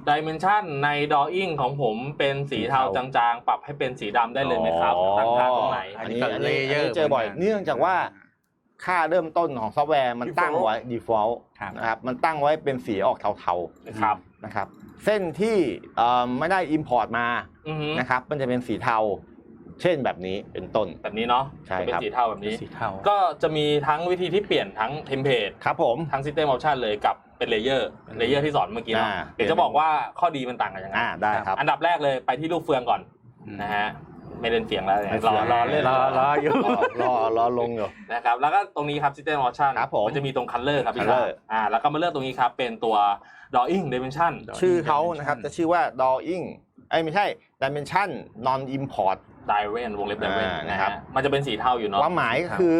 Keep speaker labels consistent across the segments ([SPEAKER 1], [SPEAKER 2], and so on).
[SPEAKER 1] Dimension ใน Drawing ของผมเป็นสีเทาจางๆปรับให้เป็นสีดำได้เลยไหมครับตั้งค่าตรงไหน
[SPEAKER 2] อันนี้เจอบ่อยเนื่องจากว่าค่าเริ่มต้นของซอฟต์แวร์มันตั้งไว้ default นะครับมันตั้งไว้เป็นสีออกเทาๆนะครับเส้นที่ไม่ได้ import มานะครับมันจะเป็นสีเทาเช่นแบบนี้เป็นต้น
[SPEAKER 1] แบบนี้เนาะจะเป็นสีเทาแบบนี้ก็จะมีทั้งวิธีที่เปลี่ยนทั้งเทมเพลต
[SPEAKER 2] ครับผม
[SPEAKER 1] ทั้ง System Option เลยกับเป็นเลเยอร์ที่สอนเมื่อกี้เนาะเดี๋ยวจะบอกว่าข้อดีมันต่างกันยังไง
[SPEAKER 2] ได้ครับ
[SPEAKER 1] อันดับแรกเลยไปที่ลูกเฟืองก่อนนะฮะไม่เล่นเสียงแล้วรอเล่น
[SPEAKER 2] รออยู่รอลงอยู่
[SPEAKER 1] นะครับแล้วก็ตรงนี้ครับ System Option มันจะมีตรง Color ครับพี่แล้วก็มาเลือกตรงนี้ครับเป็นตัว Drawing Dimension
[SPEAKER 2] ชื่อเขานะครับจะชื่อว่า Drawing ไม่ใช่ Dimension Non Import
[SPEAKER 1] Diven วงเล็บ Diven นะครับมันจะเป็นสีเทาอยู่เนาะ
[SPEAKER 2] ความหมายก็คือ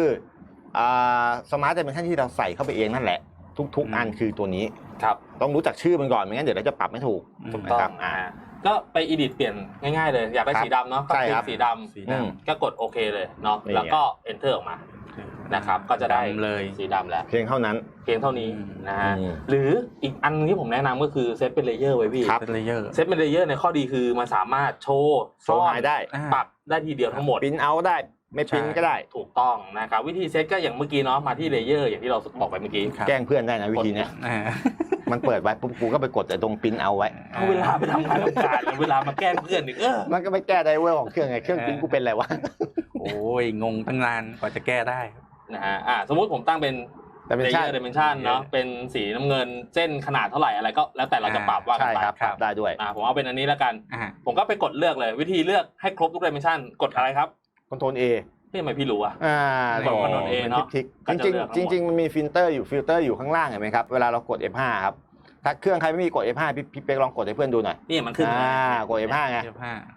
[SPEAKER 2] Smart Dimension ที่เราใส่เข้าไปเองนั่นแหละทุกอันคือตัวนี้
[SPEAKER 1] ครับ
[SPEAKER 2] ต้องรู้จักชื่อมันก่อนไม่งั้นเดี๋ยวเราจะปรับไม่ถูก
[SPEAKER 1] นะครับก็ไป edit เปลี่ยนง่ายๆเลยอยากได้สีดำเนาะก็คลิกสีดำก็กดโอเคเลยเนาะแล้วก็ enter ออกมานะครับก็จะได้เลยสีดำแล้ว
[SPEAKER 2] เพียงเท่านั้น
[SPEAKER 1] เพียงเท่านี้นะฮะหรืออีกอันนึงที่ผมแนะนำก็คือเซตเป็นเลเยอร์ไว้พี่
[SPEAKER 2] เป็นเลเยอร์
[SPEAKER 1] เซตเป็นเลเยอร์ในข้อดีคือมันสามารถโชว์
[SPEAKER 2] ได้
[SPEAKER 1] ปรับได้ทีเดียวทั้งหมด
[SPEAKER 2] พิมพ์เอาได้ไม่พิมพ์ก็ได้
[SPEAKER 1] ถูกต้องนะครับวิธีเซตก็อย่างเมื่อกี้เนาะมาที่เลเยอร์อย่างที่เราบอกไปเมื่อกี้
[SPEAKER 2] แกล้งเพื่อนได้นะวิธีนี้มันเปิดไว้ปุ๊บกูก็ไปกดแต่ตรงพิมพ์เอาไว้
[SPEAKER 1] เวลาไปทำงานทำการเวลามาแกล้งเพื่อนอีก
[SPEAKER 2] มันก็ไม่แก้ไดเวอร์ของเครื่องไงเครื่องพิมพ์กูเป็นอะไรวะ
[SPEAKER 3] โอ้ยงงตั้งนานกว่าจะแก้ได้
[SPEAKER 1] นะฮะสมมติผมตั้งเป็นLayer Dimension เนาะเป็นสีน้ำเงินเส้นขนาดเท่าไหร่อะไรก็แล้วแต่เราจะปรับว่า
[SPEAKER 2] กันไปปรับได้ด้วย
[SPEAKER 1] ผมเอาเป็นอันนี้แล้วกันผมก็ไปกดเลือกเลยวิธีเลือกให้ครบทุก Dimension กดอะไรครับ
[SPEAKER 2] Ctrl A
[SPEAKER 1] ทำไมพี่รู้อ่ะ
[SPEAKER 2] กด
[SPEAKER 1] Ctrl A เนาะ
[SPEAKER 2] จริงมันมีฟิลเตอร์อยู่ข้างล่างเห็นไหมครับเวลาเรากด F5 ครับถ้าเครื่องใครไม่มีกด F5 พี่เป๊กลองกดให้เพื่อนดูหน่อย
[SPEAKER 1] นี่มันขึ้น
[SPEAKER 2] กด F5 ไง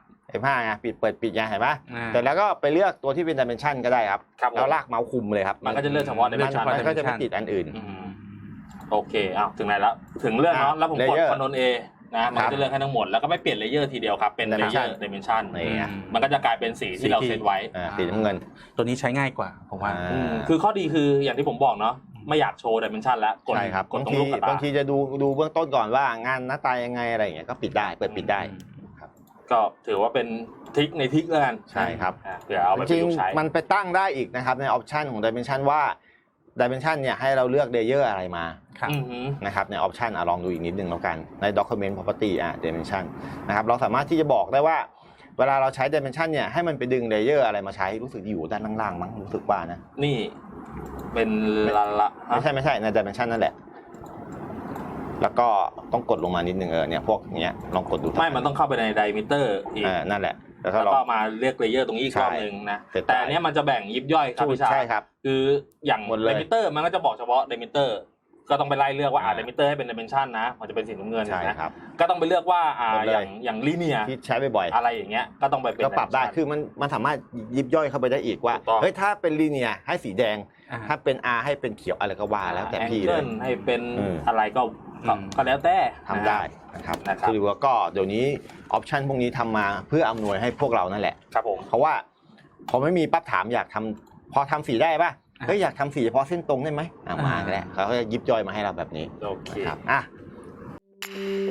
[SPEAKER 2] F5 ไงเปิดปิดไงเห็นปะแต่แล้วก็ไปเลือกตัวที่เป็น Dimension ก็ได้ครับแล้วลากเมาส์คุมเลยครับ
[SPEAKER 1] มันก็จะเลือกเฉพาะ Dimension
[SPEAKER 2] มันก็จะไม่ติดอันอื่น
[SPEAKER 1] โอเคถึงไหนแล้วถึงเลือกเนาะแล้วผมกด Ctrl A นะมันจะเลือกให้ทั้งหมดแล้วก็ไม่เปลี่ยนเลเยอร์ทีเดียวครับเป็นเลเยอร์ Dimension มันก็จะกลายเป็นสีที่เราเซตไว้
[SPEAKER 2] สีน้ำเงิน
[SPEAKER 3] ตัวนี้ใช้ง่ายกว่าผมว่า
[SPEAKER 1] คือข้อดีคืออย่างที่ผมบอกเนาะไม่อยากโชว์ Dimension แล้วกดตรงลูกกระตา
[SPEAKER 2] บางทีจะดูเบื้องต้นก่อนว่างานหน้าตายังไงอะไรอย่างเงี้ยก็ปิดได้เปิดปิดได้
[SPEAKER 1] ก็ถือว่าเป็นทริคในทริคแล้วกัน
[SPEAKER 2] ใช่ครับ
[SPEAKER 1] เผื่อเอาไปประยุกต์ใช้
[SPEAKER 2] มันไปตั้งได้อีกนะครับในออปชันของ Dimension ว่า Dimension เนี่ยให้เราเลือก Layer อะไรมานะครับในออปชันลองดูอีกนิดนึงแล้วกันใน Document Property Dimension นะครับเราสามารถที่จะบอกได้ว่าเวลาเราใช้ Dimension เนี่ยให้มันไปดึง Layer อะไรมาใช้รู้สึกอยู่ด้านล่างๆมั้งรู้สึกว่านะ
[SPEAKER 1] นี่เป็นละ
[SPEAKER 2] ไม่ใช่ใน Dimension นั่นแหละแล้วก็ต้องกดลงมานิดนึงเนี่ยพวกเนี้ยลองกดดู
[SPEAKER 1] ไม่มันต้องเข้าไปใน Diameter อีก
[SPEAKER 2] นั่นแหละ
[SPEAKER 1] แล้วก็มาเลือกเลเยอร์ตรงนี้อีกรอบนึงนะแต่อันนี้มันจะแบ่งยิบย่อยครับพี่ชาย
[SPEAKER 2] ใช่ครับ
[SPEAKER 1] คืออย่าง Diameter มันก็จะบอกเฉพาะ Diameter ก็ต้องไปไล่เลือกว่าDiameter ให้เป็น Dimension นะมันจะเป็นสีน้ำเงินนะก็ต้องไปเลือกว่าอย่าง Linear
[SPEAKER 2] ที่ใช้บ่อย
[SPEAKER 1] ๆอะไรอย่างเงี้ยก็ต้องไปเป็น
[SPEAKER 2] ก็ปรับได้คือมันสามารถยิบย่อยเข้าไปได้อีกว่าเฮ้ยถ้าเป็น Linear ให้สีแดงถ้าเป็น R ให้เป็นเขียวอะไรก็ว่าแล้วแต่พี่เลย
[SPEAKER 1] ให้เป็นอะไรก็แล้วแต่
[SPEAKER 2] ทำได้นะครับคือว่าก็เดี๋ยวนี้ออปชันพวกนี้ทำมาเพื่ออำนวยให้พวกเรานั่นแหละ
[SPEAKER 1] ครับผม
[SPEAKER 2] เพราะว่าพอไม่มีปั๊บถามอยากทำพอทำสีได้ป่ะเฮ้ยอยากทำสีเฉพาะเส้นตรงได้ไหมมาก็ได้เขาจะยิบย่อยมาให้เราแบบนี้
[SPEAKER 1] โอเค
[SPEAKER 2] ครับ